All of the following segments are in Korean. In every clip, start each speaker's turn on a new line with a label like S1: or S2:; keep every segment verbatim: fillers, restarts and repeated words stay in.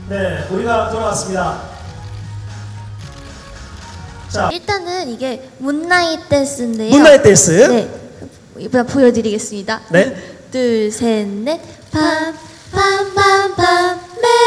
S1: 네, 우리가 돌아왔습니다. 자,
S2: 일단은 이게 문나잇 댄스인데요.
S1: 문나잇 댄스.
S2: 네, 이번 보여드리겠습니다.
S1: 네.
S2: 둘, 셋, 넷. 밤, 밤, 밤, 밤,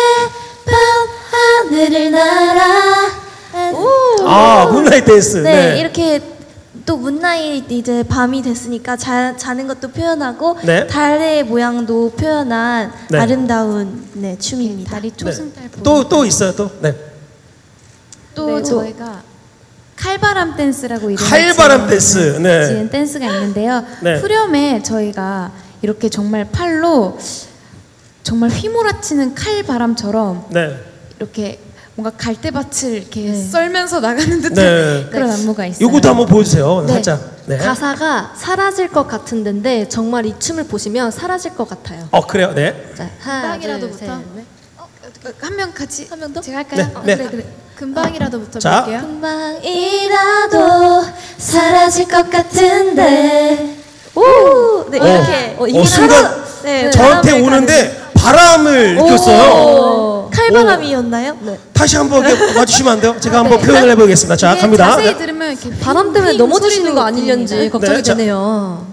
S2: 매밤 하늘을 날아. 오.
S1: 아, 문나잇 댄스.
S2: 네,
S1: 네.
S2: 이렇게 또 문나잇 이제 밤이 됐으니까 자, 자는 것도 표현하고
S1: 네.
S2: 달의 모양도 표현한
S1: 네.
S2: 아름다운 네, 춤입니다.
S3: 다리 초승달
S1: 네. 또, 또 있어요, 또. 네.
S3: 또
S2: 네, 또.
S3: 저희가 칼바람 댄스라고 이름을
S1: 칼바람
S3: 지은,
S1: 댄스. 네.
S3: 지은 댄스가 있는데요.
S1: 네.
S3: 후렴에 저희가 이렇게 정말 팔로 정말 휘몰아치는 칼바람처럼
S1: 네.
S3: 이렇게 뭔가 갈대밭을 이렇게
S2: 네.
S3: 썰면서 나가는 듯한
S1: 네.
S3: 그런 안무가 있어요.
S1: 요것도 한번 보여주세요.
S4: 네.
S1: 살짝. 네.
S4: 가사가 사라질 것 같은 데인데 정말 이 춤을 보시면 사라질 것 같아요.
S1: 어, 그래요? 네.
S4: 자, 하나, 둘,
S3: 금방이라도부터.
S4: 셋, 넷.
S3: 한 명 같이
S4: 한 명 더?
S3: 제가 할까요?
S1: 네,
S3: 어,
S1: 네.
S3: 그래 그래. 금방이라도부터
S1: 자.
S3: 볼게요.
S2: 금방이라도 사라질 것 같은데.
S4: 오! 네,
S1: 어.
S4: 이렇게.
S1: 어,
S4: 이게
S1: 순간
S4: 사라- 네,
S1: 저한테
S4: 바람을
S1: 오는데 바람을 느꼈어요.
S2: 오. 칼바람이었나요?
S4: 네.
S1: 다시 한번 이렇게 와주시면 안 돼요? 제가 한번
S4: 네.
S1: 표현을 해보겠습니다. 자,
S3: 이게
S1: 갑니다.
S3: 자세히
S1: 네.
S3: 들으면 이렇게
S4: 바람 때문에
S3: 휘-
S4: 넘어지시는
S3: 소리도
S4: 거 아니려는지
S3: 들립니다.
S4: 걱정이
S1: 네, 자.
S4: 되네요.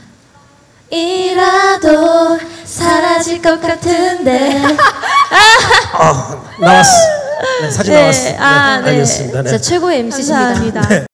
S2: 이라도 사라질 것 같은데.
S1: 아, 나왔어. 네, 사진
S2: 네.
S1: 나왔어. 네,
S2: 아, 네.
S1: 알겠습니다. 네.
S4: 진짜 최고의 엠씨십니다.
S2: 감사합니다.
S1: 네.